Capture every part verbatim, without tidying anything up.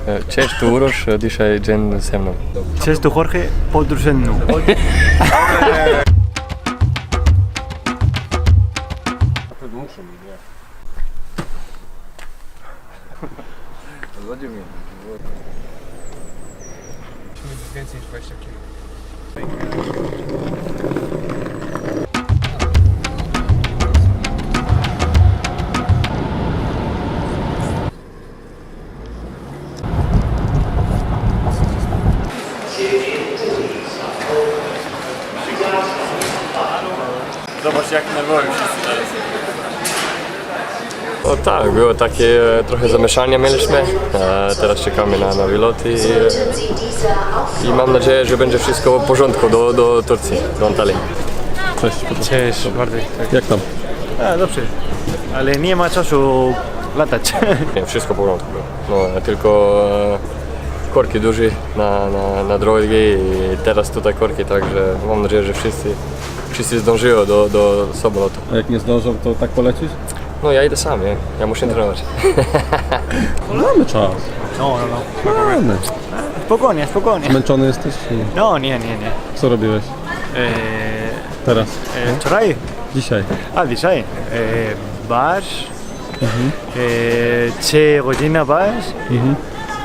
Cześć, tu Uroš, dzisiaj dzień ze mną. Cześć, tu Jorge, podróż ze mną. Więcej niż dwadzieścia kilo. Zobacz, jak nerwowi wszyscy teraz. O tak, było takie e, trochę zamieszania mieliśmy, e, teraz czekamy na, na wylot i, e, i mam nadzieję, że będzie wszystko w porządku do, do Turcji, do Antalii. Cześć. Cześć, Bartek. Tak. Jak tam? A, dobrze, ale nie ma czasu latać. Nie, wszystko w porządku było. No, tylko e, korki duże na, na, na drogi i teraz tutaj korki, także mam nadzieję, że wszyscy, wszyscy zdążyło do, do samolotu. A jak nie zdążą, to tak polecisz? No ja idę sam, nie? Ja muszę trenować. Mamy czas. No, no, no. Mamy. Spokojnie, spokojnie. Zmęczony jesteś? No, nie, nie, nie. Co robiłeś Eee, teraz? eee, wczoraj, Dzisiaj? a dzisiaj, eee, bar, eee, trzy godziny bar Mhm.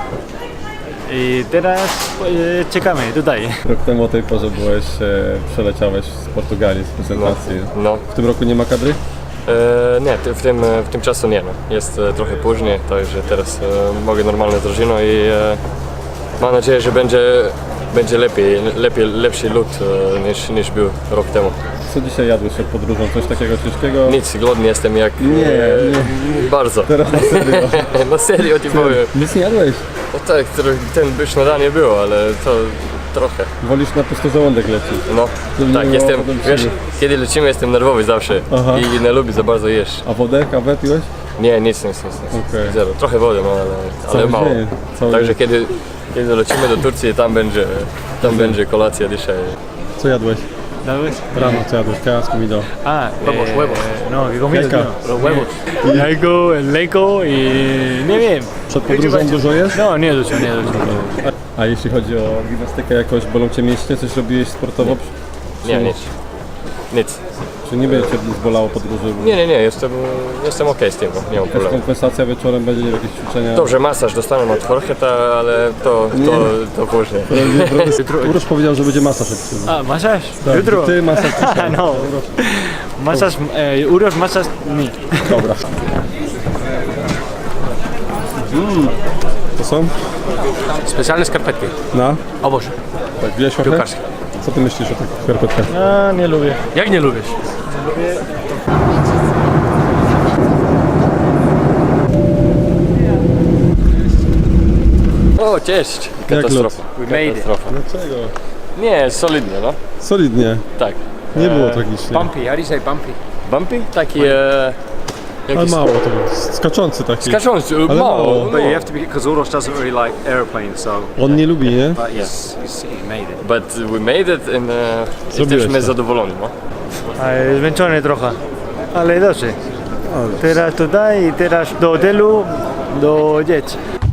i teraz eee, czekamy tutaj. Rok temu o tej porze byłeś, e, przeleciałeś z Portugalii z prezentacji. No. W tym roku nie ma kadry? E, nie, ty- w tym, w tym czasu nie. No. Jest e, trochę później, także teraz e, mogę normalnie z drużyną i e, mam nadzieję, że będzie, będzie lepiej, lepiej, lepszy lód e, niż, niż był rok temu. Co dzisiaj jadłeś przed podróżą? Coś takiego ciężkiego? Nic, głodny jestem jak... Nie, e, Bardzo. Teraz na serio. No serio ci powiem. Nic nie jadłeś? No tak, tro- ten by śniadanie było, ale to trochę. Wolisz na pusty żołądek lecieć? No, Żeby tak, nie jestem, było potem wiesz, siły. kiedy lecimy jestem nerwowy zawsze Aha. i nie lubię za bardzo jeść. A wodę, kawę piłeś? Nie, nic, nic, nic, nic. Okej. Zero. Trochę wody, no, ale, ale Cały mało. dzień, cały Także dzień. kiedy, kiedy lecimy do Turcji, tam będzie, tam będzie kolacja dzisiaj. Co jadłeś? ¿Sabes? Rano co jadłeś? Kajas, comido. Ah, Huevos, eh, huevos. No, ¿qué comida? Jajka. Los huevos. Jajko, el lejko i nie wiem. Przed podróżą dużo jesz? No, nie dużo, nie dużo. A jeśli chodzi o gimnastykę, jakoś bolą Cię mięśnie? Coś robiłeś sportowo? Czy- Nie, nic. Nic. Czy nie będzie Cię zbolało podróży? Nie, nie, nie, jestem, jestem okej z tym, nie mam Jakaś problemu. kompensacja wieczorem będzie, nie wiem, jakieś ćwiczenia? Dobrze, masaż dostanę od Jorgeta, ale to, to, to później. Uroż powiedział, że będzie masaż. jak przyjdzie. A, masaż? Tak, Jutro? Ty masaż. Ah, no. Masaż, eh, uros masaż mi. Dobra. Mm. To są? Specjalne skarpetki. Na? Oboż. Tak, wziąłeś trochę? Piłkarskie. Co Ty myślisz o tych skarpetkach? A, nie lubię. Jak nie lubisz? O, cześć! Jak Katastrofa. We made it. Katastrofa. Dlaczego? Nie, solidnie, no. Solidnie. Tak. Nie było E, tragicznie. Bumpy, how do you say bumpy? Bumpy? Taki... E, Ale jakiś mało to było. Skaczący taki. Skaczący, Ale mało. mało. No. But you have to be, because Uros doesn't really like airplanes, so. On nie lubi, nie? But he's, he's, he made it. But we made it and e, Zrobiłeś jesteśmy to. zadowoleni, no. A, zmęczony trochę. Ale dobrze. Teraz tutaj i teraz do hotelu, do dzieci.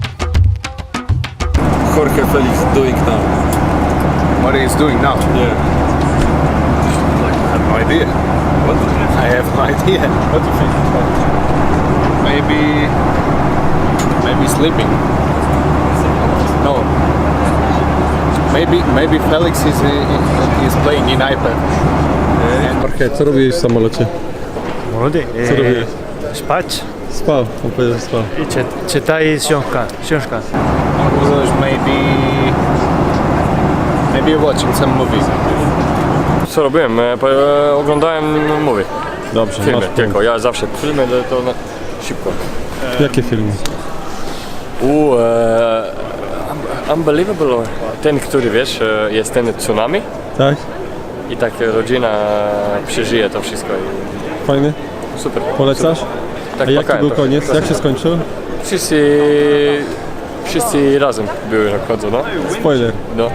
Jorge Felix doing now? What he's doing now? Yeah. I have no idea. What? I have no idea. What do you think? Maybe. Maybe sleeping. No. Maybe maybe Felix is uh, is playing in iPad. Jorge, co robiłeś w samolocie? Młody. Co robiłeś? Spać Spał. On powiedział, że spał. i czy, czytaj książkę. książkę. Maybe. Maybe watching some movies. Co robiłem? E, po- e, oglądałem movie, Dobrze, filmy masz tylko. Ja zawsze filmy to, to na, szybko. punkt. Jakie filmy? U, e, un- Unbelievable, ten, który wiesz, e, jest ten tsunami Tak? i tak rodzina przeżyje to wszystko i Fajny? super. Polecasz? Tak, A jaki płakałem był trochę. koniec? Jak się skończył? Wszyscy, wszyscy razem były na końcu, no. Spoiler. no.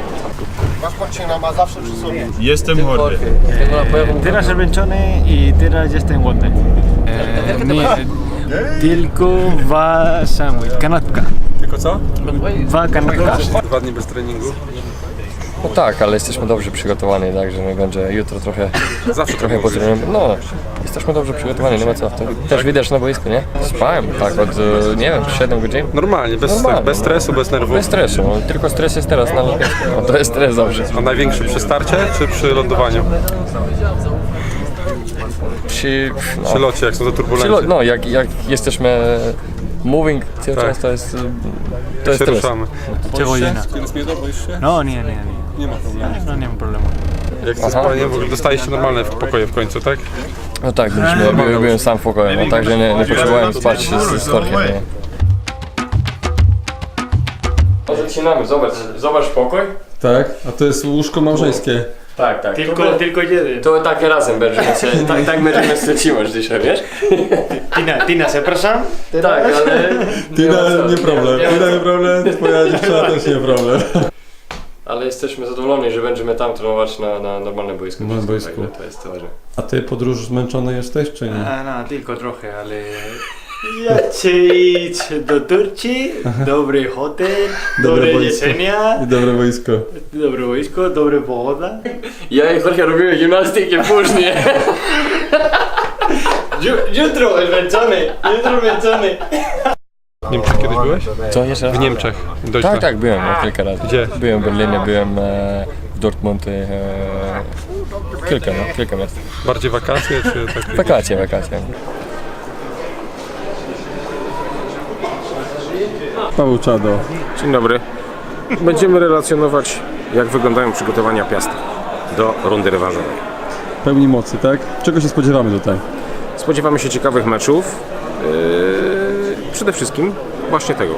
Jestem Jorge. Teraz zmęczony i teraz jestem głodny. E, nie, tylko dwa sandwich, kanapka. Tylko co? Dwa kanapka. Dwa dni bez treningu. No tak, ale jesteśmy dobrze przygotowani, także nie będzie jutro trochę, Zawsze trochę potrenujemy. No, jesteśmy dobrze przygotowani, nie ma co. To też widać na boisku, nie? Spałem tak od, e, nie wiem, siedem godzin. Normalnie, bez, Normalnie, bez no. stresu, bez nerwów. Bez stresu, no, tylko stres jest teraz na lotnisku. No, to jest stres zawsze. A największy przy starcie czy przy lądowaniu? Przy, no, Przy locie, jak są te przy, turbulencje? lo- no jak, jak jesteśmy moving cały Tak. czas, to jest, e, to się jest stres. ruszamy. Cebollina. Tienes miedo, boisz się? No, nie, nie, nie. Nie ma problemu. No nie ma problemu. Jak ze spaleniem, w ogóle dostaliście normalne pokoje w końcu, tak? No tak, byliśmy, ja byłem, byłem sam w pokoju, no, także nie, nie potrzebowałem spać z, z Jorkiem, nie? Zaczynamy, zobacz, zobacz pokój. Tak, a to jest łóżko małżeńskie. Tak, tak. Tylko, to, tylko jeden. to tak razem będziemy się, tak, tak będziemy się trzymać dzisiaj, wiesz? Tina, Tina, przepraszam? Tak, ale... Tina, ma co. nie problem. Nie ma Tina, co. nie problem, twoja dziewczyna też nie problem. Ale jesteśmy zadowoleni, że będziemy tam trenować na, na normalnym boisku. Normalnym boisku. Także to jest ważne. A ty podróż zmęczony jesteś, czy nie? A, no, tylko trochę, ale... Ja chcę iść do Turcji, dobry hotel, Dobre dobre boisko. jedzenia, I dobre wojsko. dobre wojsko, dobra pogoda. Ja i Jorge robimy gimnastykę później. Ju- Jutro zmęczony, jutro zmęczony. W Niemczech kiedyś byłeś? Co jeszcze raz? W Niemczech. Dość Tak, tak, byłem no, kilka razy. Gdzie? Byłem w Berlinie, byłem e, w Dortmund. E, kilka, no, kilka miast. Bardziej wakacje, czy tak? Wakacje, wakacje. Paweł Czado. Dzień dobry. Będziemy relacjonować, jak wyglądają przygotowania Piasta do rundy rewanżowej. Pełni mocy, tak? Czego się spodziewamy tutaj? Spodziewamy się ciekawych meczów. Yy, przede wszystkim właśnie tego.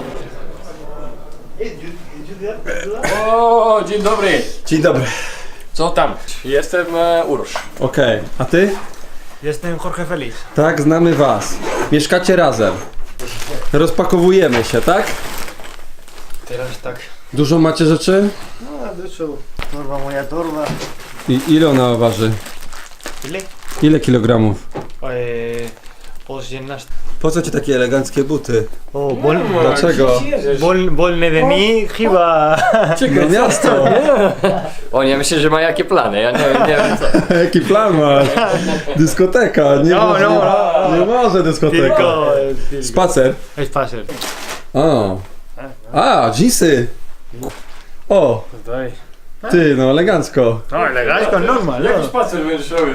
O, dzień dobry. Dzień dobry. Co tam? Jestem e, Urosz. Okej, a ty? Jestem Jorge Felix. Tak, znamy was. Mieszkacie razem. Rozpakowujemy się, tak? Teraz tak. Dużo macie rzeczy? No, dużo. Torba, moja torba. I ile ona waży? Ile? Ile kilogramów? Eee, osiemnaście. Po co ci takie eleganckie buty? O, bol, Dlaczego? bol, wolny de mi, chyba. No miasto! O, nie myślę, że ma jakie plany. Ja nie, nie wiem co. Jaki plan masz? Dyskoteka, nie, No, może, no, no. nie może dyskoteka. Tylko, tylko. Spacer. Spacer. O. A, dżinsy. O, Daj. ty, no elegancko. No, elegancko, normal, no. spacer będziesz robił?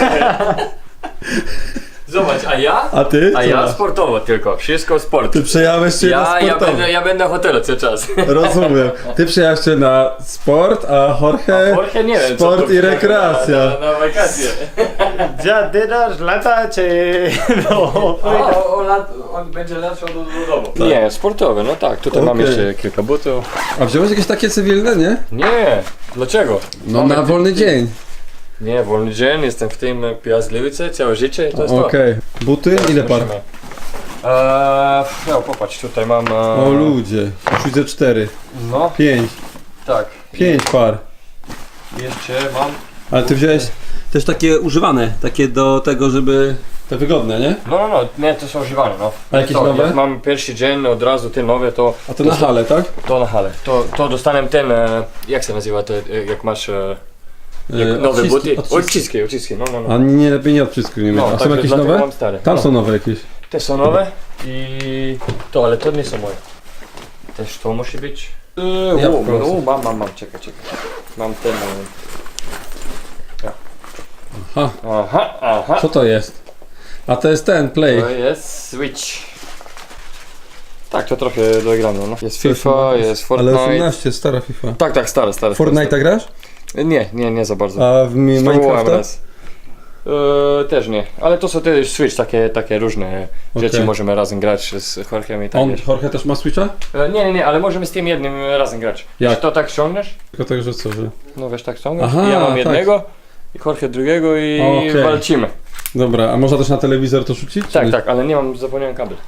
Zobacz, a ja? A ty? A Co ja masz? sportowo tylko, wszystko sport. Ty przejałeś się na Ja, ja, sportowy. będę, ja będę w hotelu cały czas. Rozumiem. Ty przejechałeś się na sport, a Jorge, Jorge nie wiem, co sport to i rekreacja. Na, na, na wakacje. Ja teraz lata, czy... No. A, on, on, on będzie latał do, do domu. Nie, sportowy, no tak. Tutaj mam Okej. jeszcze kilka butów. A wziąłeś jakieś takie cywilne, nie? Nie, dlaczego? No Mamy na ty- wolny ty- dzień. Nie, wolny dzień, jestem w tym Piazgliwice całe życie, to jest to. Okej. Buty? Ile par? Musimy. Eee, no popatrz, tutaj mam... E, O ludzie. Już widzę cztery. No, Pięć. tak. Pięć par. Jeszcze mam... Ale ty wziąłeś też takie używane, takie do tego, żeby... Te wygodne, nie? No, no, no, nie, to są używane, no. A jakieś to, nowe? Jak mam pierwszy dzień, od razu te nowe, to... A to na hale, tak? To na hale. To, to dostanę ten, e, jak się nazywa, to, e, jak masz e, jak E, nowe odciski- buty? odciski. Odciski, odciski, no, no, no. A nie lepiej nie odcisku nie mieć. No, A są także jakieś dlatego nowe? mam stare. Tam No. są nowe jakieś. Te są nowe i to, ale to nie są moje. Też to musi być. Yy, Ja u, po prostu. u, mam, mam, mam, czekaj, czekaj. Mam ten... e, ja. Aha. Aha, aha. Co to jest? A to jest ten, play. To jest Switch. Tak, to trochę dograno, no. Jest FIFA, jest Ale Fortnite. osiemnaście, stara FIFA. Tak, tak, stare, stare. Fortnite'a grasz? Nie, nie, nie za bardzo. A w mi- Spróbowałem Minecrafta? raz. E, też nie, ale to są też Switch, takie, takie różne rzeczy, Okej. możemy razem grać z Jorgiem i tak On, wiesz. Jorge też ma Switcha? E, nie, nie, nie, ale możemy z tym jednym razem grać. Jak? Wiesz, to tak ściągniesz, Tylko tak, że co, że... no wiesz, tak ściągniesz, Aha, i ja mam tak. jednego, i Jorge drugiego i Okej. walczymy. Dobra, a można też na telewizor to rzucić? czy Tak, nie? tak, ale nie mam, zapomniałem kabel.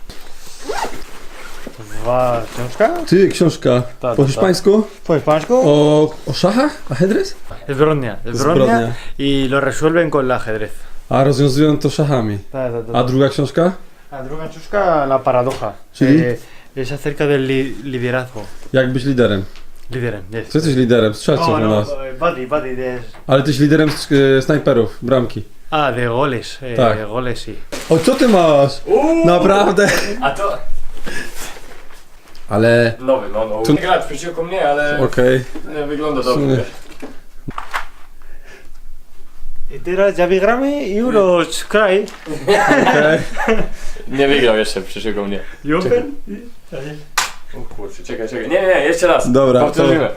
Dwa książka? Ty, książka. Tak, Po tak. hiszpańsku? Po hiszpańsku? O, o szachach? Ajedrez? Zbrodnia. Zbrodnia. Zbrodnia. Y lo resuelven con el ajedrez. A rozwiązują to szachami. Ta, ta, ta, A druga książka? A druga książka, la paradoja. Czyli? Eh, Es acerca del li liderazgo. Jak być liderem? Liderem, yes. Co jesteś liderem? Strzelców No, u no, nas. buddy, buddy, de... Ale ty jesteś liderem e, snajperów, bramki. Ah, de goles, eh, Tak. goles sí. O, co ty masz? Naprawdę? A to Ale... nowy, no, no. Tu- Nie gra przeciwko mnie, ale Okej. nie wygląda sumie- dobrze. Y teraz ja wygramy i Euros kraj. Okej. Nie wygrał jeszcze przeciwko mnie. I Open? O kurczę, czekaj, czekaj. Nie, nie, nie, jeszcze raz. Dobra, Powtórzymy.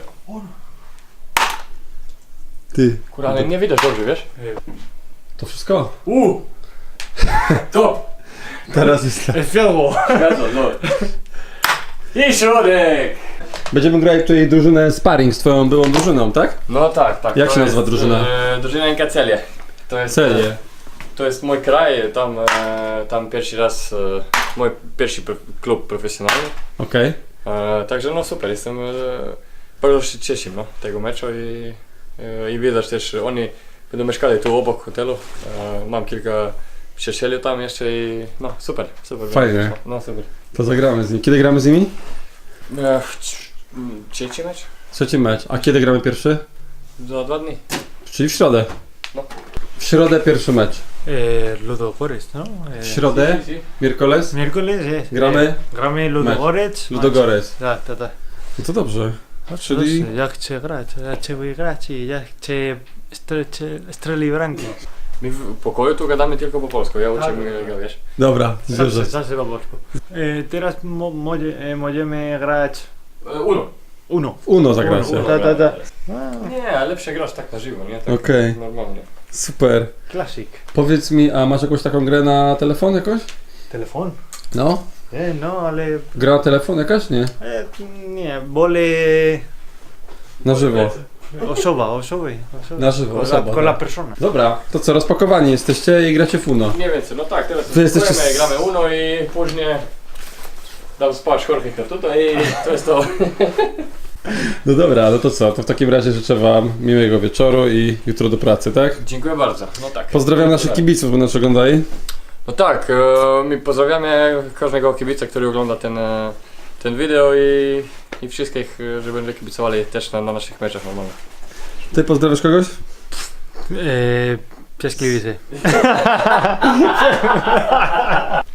Ty. Kurwa, ale nie widać dobrze, wiesz? To wszystko? Uuu! Top! Teraz jest tak. El field goal. Zgadza, no. I środek! Będziemy grać tutaj drużynę sparring z twoją byłą drużyną, tak? No tak, tak. Jak to się nazywa jest, drużyna? E, drużyna Inkacelie. To jest... Celie. E, to jest mój kraj, tam, e, tam pierwszy raz, e, mój pierwszy pro, klub profesjonalny. Okej. E, także no super, jestem e, bardzo się cieszę no, tego meczu i, e, i widać też, oni będą mieszkali tu obok hotelu. E, mam kilka przyjacieli tam jeszcze i no super, super. Fajnie. No super. To zagramy z nimi. Kiedy gramy z nimi? E, c- m, trzeci mecz? Trzeci mecz. A kiedy gramy pierwszy? Za dwa dni. Czyli w środę. No. W środę pierwszy mecz. Eh, Ludogorets, no? W Eh, środę, Si, si. Miércoles, miércoles, yes. gramy Eh, gramy Ludogorets. Ludogorets. Tak, tak, tak. No to dobrze. Czyli... Czyli... Jak chcę grać, ja chcę wygrać i ja chcę stre- strzeli bramki. My w pokoju tu gadamy tylko po polsku, ja uczę mnie, wiesz. Dobra, dobrze. Zawsze po polsku. Eh, teraz mo moje- eh, możemy grać E, Uno. uno. W Uno zagracie. Uno. Da, da, da. Nie, lepsze grasz tak na żywo, nie? Tak Okej. normalnie. Super. Classic. Powiedz mi, a masz jakąś taką grę na telefon jakoś? Telefon? No? Eh, no, ale... Gra na telefon jakaś? Nie. Eh, nie, wolę Na żywo. osoba, osoby. osoby. Na żywo, Con la- osoba, Con la tak. persona. Dobra, to co, rozpakowani jesteście i gracie w Uno. Mniej więcej, no tak, teraz Wy jesteście spróbujemy, s- gramy Uno i później dam spać Jorge tutaj i to jest to. No dobra, no to co, to w takim razie życzę wam miłego wieczoru i jutro do pracy, tak? Dziękuję bardzo, no tak. Pozdrawiam naszych kibiców, bo nas oglądali. No tak, e, my pozdrawiamy każdego kibica, który ogląda ten, e, ten wideo i, i wszystkich, e, że będą kibicowali też na, na naszych meczach normalnych. Ty pozdrawiasz kogoś? Eh, Piaskliwice.